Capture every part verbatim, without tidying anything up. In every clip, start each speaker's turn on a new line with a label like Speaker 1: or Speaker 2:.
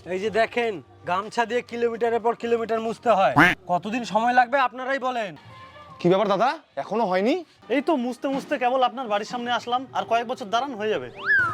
Speaker 1: এই যে দেখেন, গামছা দিয়ে কিলোমিটারের পর কিলোমিটার মুছতে হয়। কতদিন সময় লাগবে আপনারাই বলেন।
Speaker 2: কি ব্যাপার দাদা, এখনো হয়নি?
Speaker 3: এই তো মুছতে মুছতে কেবল আপনার বাড়ির সামনে আসলাম, আর কয়েক বছর দাঁড়ান হয়ে যাবে।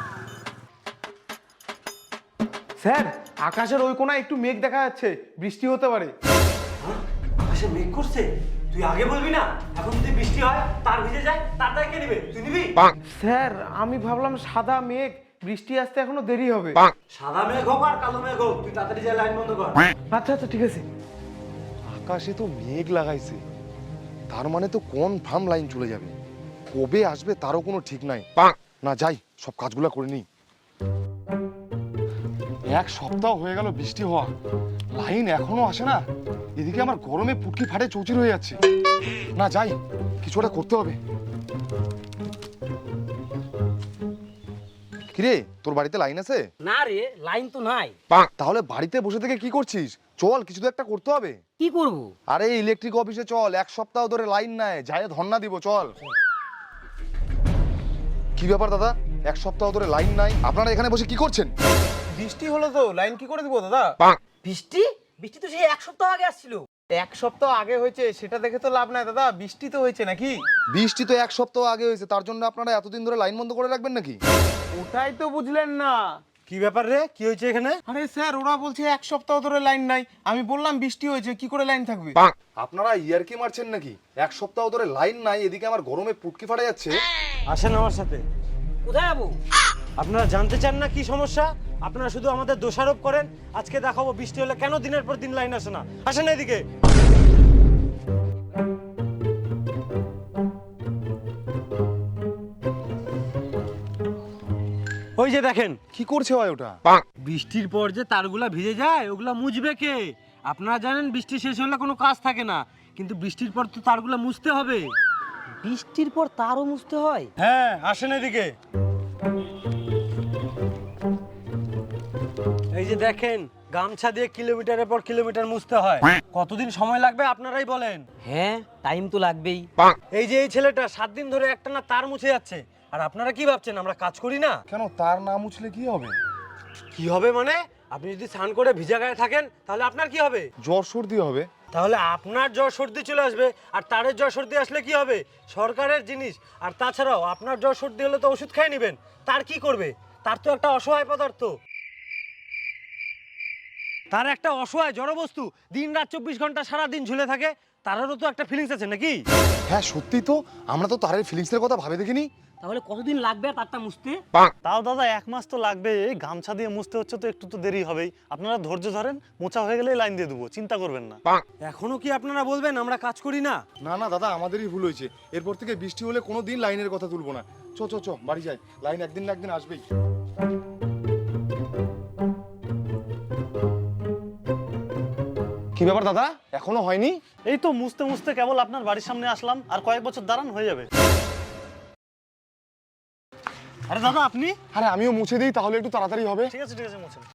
Speaker 4: স্যার, আকাশের ওই কোণায় একটু মেঘ দেখা যাচ্ছে, বৃষ্টি হতে পারে।
Speaker 1: আকাশে মেঘ করছে? তুই আগে বলবি না? এখন যদি বৃষ্টি হয়, তার ভিজে যায়, তার দায় কে নেবে? তুই নিবি?
Speaker 4: স্যার, আমি ভাবলাম সাদা মেঘ, বৃষ্টি আসতে এখনো দেরি হবে।
Speaker 1: সাদা মেঘ হোক আর কালো মেঘ হোক, তুই তাড়াতাড়ি যা, লাইন বন্ধ কর।
Speaker 4: আচ্ছা আচ্ছা ঠিক আছে।
Speaker 2: আকাশে তো মেঘ লাগাইছে, তার মানে তো কোন ফার্ম লাইন চলে যাবে, কবে আসবে তারও কোনো ঠিক নাই। না যাই, সব কাজগুলো করে নিই। এক সপ্তাহ হয়ে গেল বৃষ্টি হওয়া, লাইন এখনো আসে না। এদিকে আমার গরমে পুটকি ফাটে চৌচির হয়ে যাচ্ছে। না যাই, কিছু একটা করতে হবে। কিরে, তোর বাড়িতে লাইন আছে?
Speaker 5: না রে, লাইন তো নাই।
Speaker 2: তাহলে বাড়িতে বসে থেকে কি করছিস? চল, কিছু তো একটা করতে হবে।
Speaker 5: কি করব?
Speaker 2: আরে ইলেকট্রিক অফিসে চল, এক সপ্তাহ ধরে লাইন নাই, যাই ধর্ণা দিব, চল। কি ব্যাপার দাদা, এক সপ্তাহ ধরে লাইন নাই, আপনারা এখানে বসে কি করছেন?
Speaker 4: বৃষ্টি হলো তো, লাইন কি করে দিব দাদা?
Speaker 5: বৃষ্টি? বৃষ্টি তো সেই এক সপ্তাহ আগে আসছিল।
Speaker 4: এক সপ্তাহ আগে হয়েছে সেটা দেখে তো লাভ নাই দাদা, বৃষ্টি তো হয়েছে নাকি?
Speaker 2: বৃষ্টি তো এক সপ্তাহ আগে হয়েছে, তার জন্য আপনারা এতদিন ধরে লাইন বন্ধ করে রাখবেন নাকি?
Speaker 4: ওটাই তো বুঝলেন না।
Speaker 1: কি ব্যাপার রে, কি হয়েছে এখানে?
Speaker 4: আরে স্যার, ওরা বলছে এক সপ্তাহ ধরে লাইন নাই, আমি বললাম বৃষ্টি হয়েছে, কি করে লাইন থাকবে?
Speaker 2: আপনারা ইয়ারকি মারছেন নাকি? এক সপ্তাহ ধরে লাইন নাই, এদিকে আমার গরমে পুটকি ফাটা যাচ্ছে।
Speaker 1: আসেন আমার সাথে।
Speaker 5: কোথায় যাবো?
Speaker 1: আপনারা জানতে চান না কি সমস্যা? আপনারা শুধু আমাদের দোষারোপ করেন। আজকে দেখাবো বৃষ্টি হলে কেন দিনের পর দিন লাইন আসে না। আসেন এদিকে। ওই যে দেখেন,
Speaker 2: কি করছে ভাই ওটা?
Speaker 1: বৃষ্টির পর যে তারগুলা ভিজে যায়, ওগুলা মুছবে কে? আপনারা জানেন বৃষ্টি শেষ হলে কোনো কাজ থাকে না, কিন্তু বৃষ্টির পর তো তারগুলা মুছতে হবে।
Speaker 5: বৃষ্টির পর তারও মুছতে হয়?
Speaker 1: হ্যাঁ, আসেন এদিকে। এই যে দেখেন, গামছা দিয়ে কিলোমিটারের পর কিলোমিটার মুছতে হয়। কতদিন সময় লাগবে আপনারাই বলেন।
Speaker 5: হ্যাঁ, টাইম তো লাগবেই।
Speaker 1: এই যে এই ছেলেটা সাত দিন ধরে একটানা তার মুছে যাচ্ছে, আর আপনারা কি ভাবছেন আমরা কাজ করি না?
Speaker 2: কেন, তার না মুছলে কি হবে?
Speaker 1: কি হবে মানে? আপনি যদি স্নান করে ভিজা গায়ে থাকেন, তাহলে আপনার কি হবে?
Speaker 2: জ্বর সর্দি হবে।
Speaker 1: তাহলে আপনার জ্বর সর্দি চলে আসবে, আর তারের জ্বর সর্দি আসলে কি হবে? সরকারের জিনিস। আর তাছাড়াও আপনার জ্বর সর্দি হলে তো ওষুধ খেয়ে নেবেন, তার কি করবে? তার তো একটা অসহায় পদার্থ, তার একটা অসহায় জড়বস্তু, দিন রাত চব্বিশ ঘন্টা সারা দিন ঝুলে থাকে, তারও তো একটা ফিলিংস আছে নাকি?
Speaker 2: হ্যাঁ সত্যি তো, আমরা তো তারের ফিলিংসের কথা ভাবে দেখিনি।
Speaker 5: তাহলে কতদিন লাগবে তারটা মুছতে?
Speaker 3: তাও দাদা এক মাস তো লাগবে, এই গামছা দিয়ে মুছতে হচ্ছে তো একটু তো দেরি হবেই। আপনারা ধৈর্য ধরেন, মোছা হয়ে গেলে লাইন দিয়ে দেবো, চিন্তা করবেন না।
Speaker 1: এখনো কি আপনারা বলবেন আমরা কাজ করি না?
Speaker 2: না না দাদা, আমাদেরই ভুল হয়েছে। এরপর থেকে বৃষ্টি হলে কোনো দিন লাইনের কথা তুলবো না। চ চ চ, বাড়ি যাই, লাইন একদিন না একদিন আসবেই। কি ব্যাপার দাদা, এখনো হয়নি?
Speaker 3: এই তো মুছতে মুছতে কেবল আপনার বাড়ির সামনে আসলাম, আর কয়েক বছর দাঁড়ান হয়ে যাবে। আরে দাদা আপনি?
Speaker 2: আরে আমিও মুছে দিই, তাহলে একটু তাড়াতাড়ি হবে।
Speaker 3: ঠিক আছে ঠিক আছে, মুছেন।